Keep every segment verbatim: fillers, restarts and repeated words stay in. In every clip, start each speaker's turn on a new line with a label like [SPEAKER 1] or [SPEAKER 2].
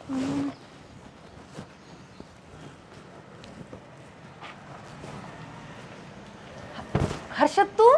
[SPEAKER 1] हर्षद तू?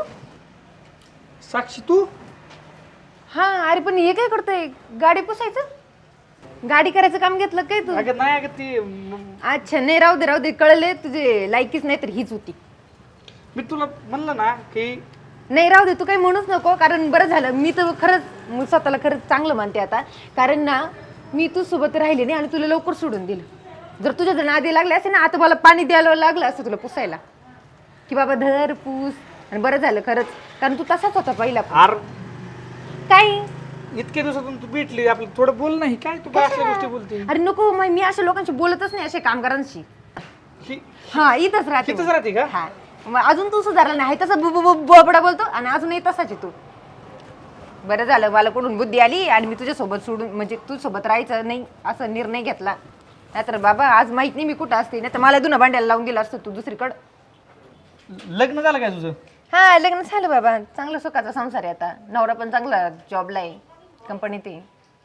[SPEAKER 2] साक्षी तू?
[SPEAKER 1] हा अरे पण हे काय करतोय? गाडी पुसायचं? गाडी करायचं काम घेतलं काय तू?
[SPEAKER 2] अगं नाही अगं ती म-
[SPEAKER 1] अच्छा नाही राहू दे राहू दे कळले तुझे लायकीच नाही तर हीच होती.
[SPEAKER 2] मी तुला म्हणलं ना की
[SPEAKER 1] नाही राहू दे तू काही म्हणूच नको कारण बरं झालं मी तर खरंच मी स्वतःला खरंच चांगलं मानते आता कारण ना मी तू सोबत राहिले नाही आणि तुला लवकर सोडून दिलं जर तुझ्या जर नादी लागले असते ना आता मला पाणी द्यायला लागलं असतं तुला पुसायला की बाबा धर पूस आणि बरं झालं खरंच कारण तू तसाच होता पहिला
[SPEAKER 2] आर
[SPEAKER 1] काय
[SPEAKER 2] इतक्या दिवसातून तू भेटली आपलं थोडं बोल नाही काय तू काय असल्या गोष्टी बोलते
[SPEAKER 1] अरे नको मग मी अशा लोकांशी बोलतच नाही अशा कामगारांशी
[SPEAKER 2] ही
[SPEAKER 1] हा इथंच राहते
[SPEAKER 2] इथंच राहते का?
[SPEAKER 1] हा मग अजून तू सुधारला नाही तसा बोबडा बोलतो आणि अजूनही तसाच आहे तू बरं झालं मला कुठून बुद्धी आली आणि मी तुझ्या सोबत सोडून म्हणजे तू सोबत राहायचं नाही असा निर्णय घेतला नाहीतर बाबा आज माहित नाही मी कुठं असते नाही तर मला दुना भांड्याला लावून दिलं असतं तू दुसरीकडं
[SPEAKER 2] लग्न झालं काय तुझं?
[SPEAKER 1] हा लग्न झालं बाबा चांगला सुखाचा संसार आहे आता नवरा पण चांगला जॉबला आहे कंपनीत आहे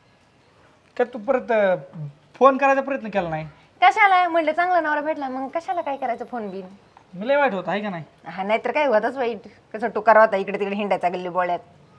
[SPEAKER 2] का तू परत फोन करायचा प्रयत्न केला नाही?
[SPEAKER 1] कशाला म्हणलं चांगला नवरा भेटला मग कशाला काय करायचं फोन बिन
[SPEAKER 2] मी लय वाईट होत आहे का नाही?
[SPEAKER 1] हा नाहीतर काय होताच वाईट कसं टुकार होता इकडे तिकडे हिंडायचा गल्ली बोळ्यात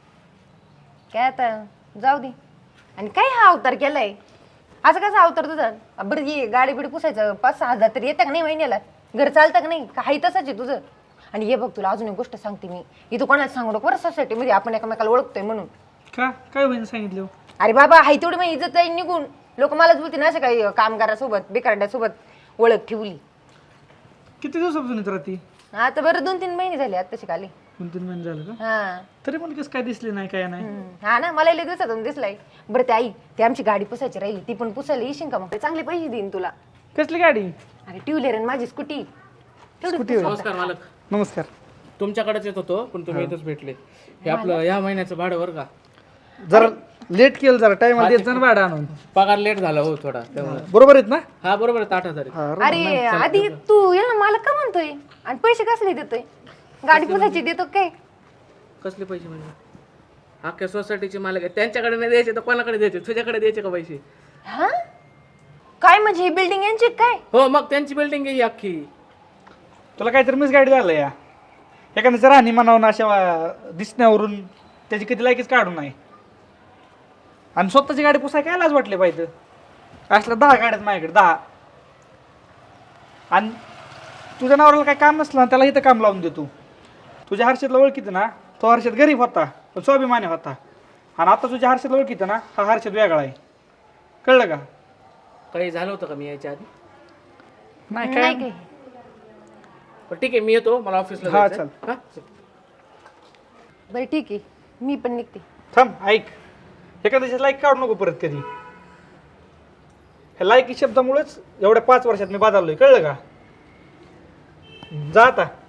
[SPEAKER 1] काय आता जाऊ दे आणि काय हा अवतार केलाय असं कसा अवतार तुझा बरं ये गाडी बिडी पुसायचं पाच सहा हजार तरी येतं का नाही महिन्याला घर चालतं का नाही काही तसंच आहे तुझं आणि हे बघ तुला अजून एक गोष्ट सांगते मी इथं कोणाला सांगू नको बरं सोसायटीमध्ये आपण एकमेकाला ओळखतोय म्हणून
[SPEAKER 2] का काय होईन सांगितलं?
[SPEAKER 1] अरे बाबा हाय तेवढी मग इज्जत जाईल निघून लोक मलाच बोलतील ना असं काही कामगारासोबत बेकारड्यासोबत ओळख ठेवली
[SPEAKER 2] किती दिवसापासून येत राहती?
[SPEAKER 1] आता बरं दोन तीन महिने झाले आता शिकाली
[SPEAKER 2] दोन तीन महिने झालं का?
[SPEAKER 1] हा
[SPEAKER 2] तरी पण कसं काय दिसली नाही काय नाही?
[SPEAKER 1] हम्म. हा ना मला लय दिवसातून दिसलाय बरं ते आई ती आमची गाडी पुसायची राहिली ती पण पुसायला येशील का मग चांगले पैसे देईन तुला
[SPEAKER 2] कसली गाडी?
[SPEAKER 1] अरे ट्युलर आणि माझी स्कूटी
[SPEAKER 2] स्कूटी होय.
[SPEAKER 3] नमस्कार मालक.
[SPEAKER 2] नमस्कार.
[SPEAKER 3] तुमच्याकडेच येत होतो पण तुम्ही इथंच भेटले. हे आपलं या महिन्याचं भाडं बरं का?
[SPEAKER 2] जरा लेट केलं जरा टाइम देत जा ना भाडं आणून.
[SPEAKER 3] पगार लेट झाला हो थोडा त्यामुळे.
[SPEAKER 2] बरोबर आहेत ना?
[SPEAKER 3] हा बरोबर आहे आठ हजार आहे.
[SPEAKER 2] हा,
[SPEAKER 1] अरे आधी तू याला मला का म्हणतोय आणि पैसे कसले देतोय गाडी पुसायची देतो काय
[SPEAKER 3] कसले पैसे म्हणजे? अख्ख्या सोसायटीचे मालक आहे त्यांच्याकडे नाही द्यायचे तर कोणाकडे द्यायचे? तुझ्याकडे द्यायचे का पैसे?
[SPEAKER 1] हा काय म्हणजे ही बिल्डिंग यांची काय
[SPEAKER 3] हो मग त्यांची बिल्डिंग आहे ही अख्खी.
[SPEAKER 2] तुला काहीतरी मिस गाडी झालं या एखाद्याचं राहणी म्हणावं अशा वा- दिसण्यावरून त्याची किती लायकीच काढून नाही आणि स्वतःची गाडी पुसाय काय लाज वाटले पाहिजे असल्या दहा गाड्यात माझ्याकडे दहा आणि तुझ्या नवऱ्याला काय काम नसलं ना त्याला इथं काम लावून देतो तुझ्या हर्षदला ओळखीत ना तो हर्षद गरीब होता पण स्वाभिमानी होता आणि आता तुझ्या हर्षदला ओळखीत ना हा हर्षद वेगळा आहे कळलं का?
[SPEAKER 3] काही झालं होतं का मी यायच्या आधी?
[SPEAKER 2] नाही
[SPEAKER 1] नाही
[SPEAKER 2] काय
[SPEAKER 1] काय
[SPEAKER 3] पण ठीक आहे मी येतो मला ऑफिसला
[SPEAKER 2] हा,
[SPEAKER 3] जायचंय.
[SPEAKER 2] चल.
[SPEAKER 3] हा?
[SPEAKER 1] बरं ठीक आहे मी पण निघते
[SPEAKER 2] थांब ऐक एखाद्याच्या लाईक काढू नको परत कधी ह्या लायकी शब्दामुळेच एवढ्या पाच वर्षात मी बदललोय कळलं का? जा आता